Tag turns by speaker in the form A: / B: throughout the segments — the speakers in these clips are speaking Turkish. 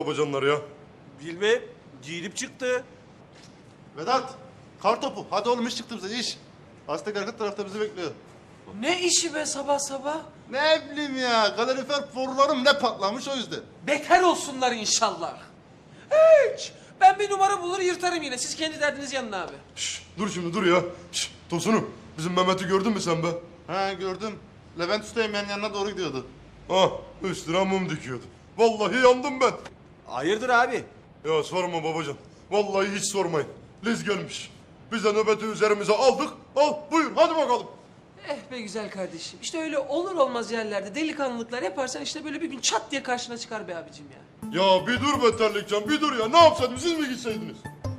A: babacanlar ya?
B: Bilmem. Giyinip çıktı.
C: Vedat, kartopu. Hadi oğlum iş çıktı bize iş. Aztek arka tarafta bizi bekliyor.
D: Ne işi be sabah sabah?
C: Ne bileyim ya, kalorifer borularım ne patlamış o yüzden.
D: Bekar olsunlar inşallah. Hiç. Ben bir numara bulur yırtarım yine. Siz kendi derdiniz yanına abi.
A: Şşş, dur şimdi dur ya. Şşş, Tosunum, bizim Mehmet'i gördün mü sen be?
C: Ha gördüm. Levent Üsteğmen'in yanına doğru gidiyordu.
A: Ah, üstüne mum dikiyordu. Vallahi yandım ben.
B: Hayırdır abi?
A: Ya sorma babacan. Vallahi hiç sormayın. Liz gelmiş. Biz de nöbeti üzerimize aldık. Al buyur hadi bakalım.
D: Eh be güzel kardeşim. İşte öyle olur olmaz yerlerde delikanlılıklar yaparsan işte böyle bir gün çat diye karşına çıkar be abicim ya.
A: Ya bir dur be terlikcan bir dur ya. Ne yapsaydım siz mi gitseydiniz?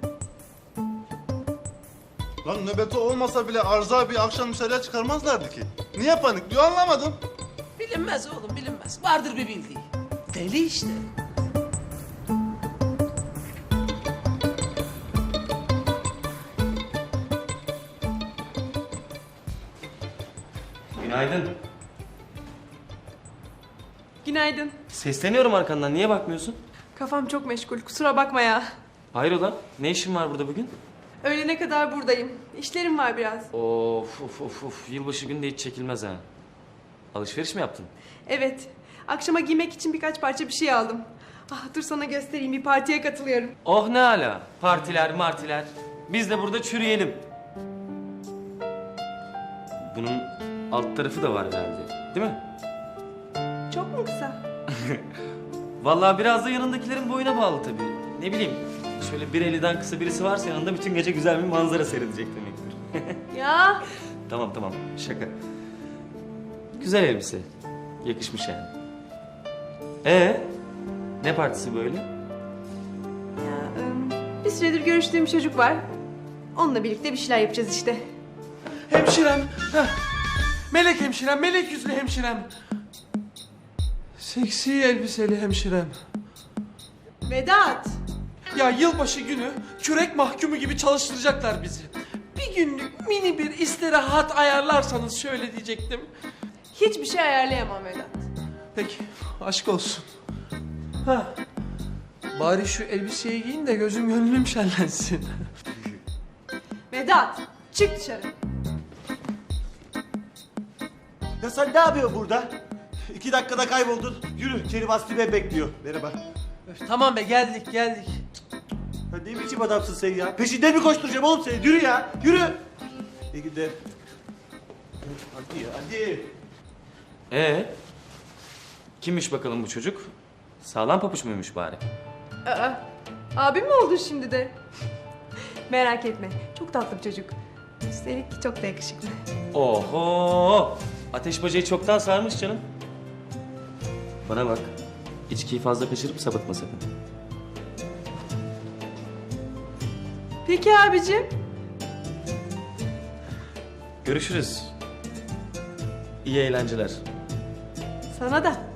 C: Lan nöbeti olmasa bile arıza bir akşam dışarıya çıkarmazlardı ki. Niye panikliyor anlamadım.
D: Bilinmez oğlum bilinmez. Vardır bir bildiği. Deli işte.
E: Günaydın.
F: Günaydın.
E: Sesleniyorum arkandan. Niye bakmıyorsun?
F: Kafam çok meşgul. Kusura bakma ya.
E: Hayrola? Ne işin var burada bugün?
F: Öğlene kadar buradayım. İşlerim var biraz.
E: Of. Yılbaşı günü de hiç çekilmez ha. Alışveriş mi yaptın?
F: Evet. Akşama giymek için birkaç parça bir şey aldım. Ah dur sana göstereyim. Bir partiye katılıyorum.
E: Oh ne ala. Partiler martiler. Biz de burada çürüyelim. Bunun alt tarafı da var herhalde. Değil mi?
F: Çok mu kısa?
E: Vallahi biraz da yanındakilerin boyuna bağlı tabii. Ne bileyim. Şöyle 1.50'den kısa birisi varsa yanında bütün gece güzel bir manzara seyredecek demektir.
F: Ya.
E: Tamam. Şaka. Güzel elbise. Yakışmış yani. Ne partisi böyle?
F: Ya, bir süredir görüştüğüm çocuk var. Onunla birlikte bir şeyler yapacağız işte.
D: Hemşirem. Heh. Melek hemşirem, melek yüzlü hemşirem. Seksi elbiseli hemşirem.
F: Vedat.
D: Ya yılbaşı günü kürek mahkumu gibi çalıştıracaklar bizi. Bir günlük mini bir istirahat ayarlarsanız şöyle diyecektim.
F: Hiçbir şey ayarlayamam Vedat.
D: Peki, aşk olsun. Ha. Bari şu elbiseyi giyin de gözüm gönlüm şenlensin.
F: Vedat. Çık dışarı.
B: Ya sen ne yapıyorsun burada? 2 dakikada kayboldun. Yürü, Kerim Aslı Bey bekliyor. Merhaba.
D: Tamam be geldik.
B: Ya ne biçim adamsın sen ya? Peşinden mi koşturacağım oğlum seni? Yürü ya, yürü. İyi günler. Hadi.
E: Kimmiş bakalım bu çocuk? Sağlam papuç muymuş bari?
F: Aa, abim mi oldun şimdi de? Merak etme. Çok tatlı bir çocuk. Üstelik çok da yakışıklı.
E: Oho! Ateş bacayı çoktan sarmış canım. Bana bak. İçkiyi fazla kaçırıp sapıtma sakın.
F: Peki abicim.
E: Görüşürüz. İyi eğlenceler.
F: Sana da.